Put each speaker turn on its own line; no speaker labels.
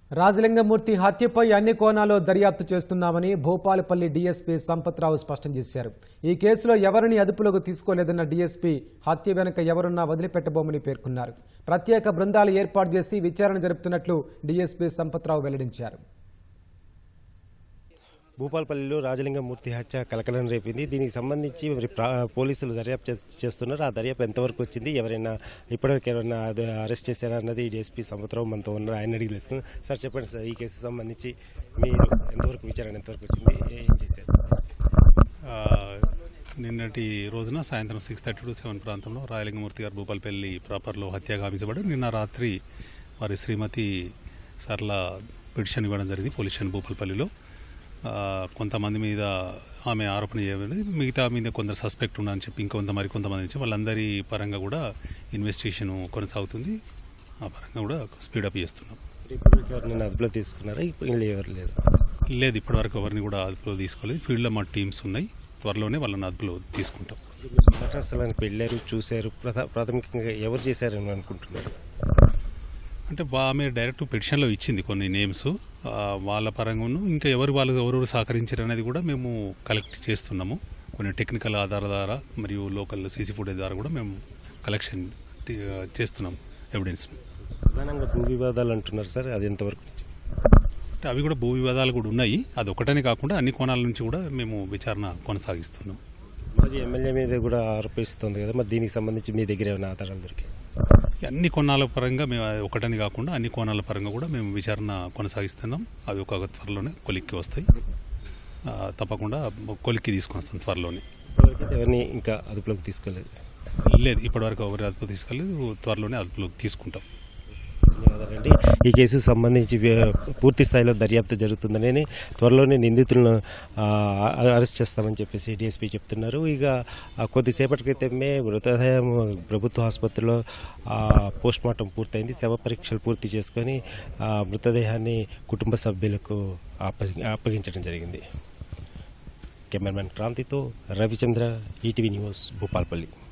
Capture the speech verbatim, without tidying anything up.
రాజలింగమూర్తి హత్యపై అన్ని కోణాల్లో దర్యాప్తు చేస్తున్నామని భూపాలపల్లి డీఎస్పీ సంపత్రావు స్పష్టం చేశారు. ఈ కేసులో ఎవరిని అదుపులోకి తీసుకోలేదన్న డీఎస్పీ హత్య వెనుక ఎవరున్నా వదిలిపెట్టబోమని పేర్కొన్నారు. ప్రత్యేక బృందాలు ఏర్పాటు చేసి విచారణ జరుపుతున్నట్లు డీఎస్పీ సంపత్రావు వెల్లడించారు.
భూపాలపల్లిలో రాజలింగమూర్తి హత్య కలకలం రేపింది. దీనికి సంబంధించి మరి పోలీసులు దర్యాప్తు చేస్తున్నారు. ఆ దర్యాప్తు ఎంతవరకు వచ్చింది, ఎవరైనా ఇప్పటివరకు ఎవరైనా అరెస్ట్ చేశారా అన్నది డీఎస్పీ సంపత్రావు మనతో ఉన్నారు. ఆయన అడిగి తెలుసుకుంది. సార్ చెప్పండి సార్, ఈ కేసు సంబంధించి మీరు ఎంతవరకు విచారణ ఎంతవరకు వచ్చింది, ఏం చేశారు?
నిన్నటి రోజున సాయంత్రం సిక్స్ థర్టీ టు సెవెన్ ప్రాంతంలో రాజలింగమూర్తి గారు భూపాలపల్లి ప్రాపర్లో హత్య గావించబడి నిన్న రాత్రి వారి శ్రీమతి సర్ల పిటిషన్ ఇవ్వడం జరిగింది పోలీస్ స్టేషన్ భూపాలపల్లిలో. కొంతమంది మీద ఆమె ఆరోపణ చేయబడింది, మిగతా మీద కొందరు సస్పెక్ట్ ఉన్నారని చెప్పి ఇంకొంత మరి కొంతమంది నుంచి వాళ్ళందరి పరంగా కూడా ఇన్వెస్టిగేషన్ కొనసాగుతుంది. ఆ పరంగా కూడా స్పీడప్ చేస్తున్నాం.
అదుపులో తీసుకున్నారా? ఎవరు లేదు
లేదు ఇప్పటివరకు ఎవరిని కూడా అదుపులో తీసుకోలేదు. ఫీల్డ్లో మా టీమ్స్ ఉన్నాయి, త్వరలోనే వాళ్ళని అదుపులో తీసుకుంటాం.
ఘటనా స్థలానికి వెళ్ళారు, చూశారు, ప్రాథమికంగా ఎవరు చేశారని అనుకుంటున్నారు?
అంటే ఆమె డైరెక్ట్ పిటిషన్లో ఇచ్చింది కొన్ని నేమ్స్, వాళ్ళ పరంగాను ఇంకా ఎవరు వాళ్ళు ఎవరెవరు సహకరించారు అనేది కూడా మేము కలెక్ట్ చేస్తున్నాము. కొన్ని టెక్నికల్ ఆధారాల ద్వారా మరియు లోకల్ సీసీ ఫుటేజ్ ద్వారా కూడా మేము కలెక్షన్ చేస్తున్నాం ఎవిడెన్స్ను.
ప్రధానంగా భూ వివాదాలు అంటున్నారు సార్, అది ఎంతవరకు?
అంటే అవి కూడా భూ వివాదాలు కూడా ఉన్నాయి. అది ఒకటనే కాకుండా అన్ని కోణాల నుంచి కూడా మేము విచారణ కొనసాగిస్తున్నాం.
మాజీ ఎమ్మెల్యే మీద కూడా ఆరోపిస్తుంది కదా, మరి దీనికి సంబంధించి మీ దగ్గర ఏమైనా ఆధారాలు దొరికాయి?
అన్ని కోణాల పరంగా మేము ఒకటని కాకుండా అన్ని కోణాల పరంగా కూడా మేము విచారణ కొనసాగిస్తున్నాం. అవి ఒక త్వరలోనే కొలిక్కి వస్తాయి, తప్పకుండా కొలిక్కి తీసుకొని వస్తాం త్వరలోనే.
ఎవరిని ఇంకా అదుపులోకి తీసుకోలేదు?
లేదు ఇప్పటివరకు ఎవరి అదుపు తీసుకోలేదు, త్వరలోనే అదుపులోకి తీసుకుంటాం.
ధన్యవాదాలండి. ఈ కేసుకు సంబంధించి పూర్తి స్థాయిలో దర్యాప్తు జరుగుతుందని, త్వరలోనే నిందితులను అరెస్ట్ చేస్తామని చెప్పేసి డీఎస్పీ చెప్తున్నారు. ఇక కొద్దిసేపటి క్రితమే మృతదేహం ప్రభుత్వ ఆసుపత్రిలో పోస్ట్ మార్టం పూర్తయింది. శవ పరీక్షలు పూర్తి చేసుకొని మృతదేహాన్ని కుటుంబ సభ్యులకు అప్పగించడం జరిగింది. కెమెరామెన్ క్రాంతితో రవిచంద్ర, ఈటీవీ న్యూస్, భూపాలపల్లి.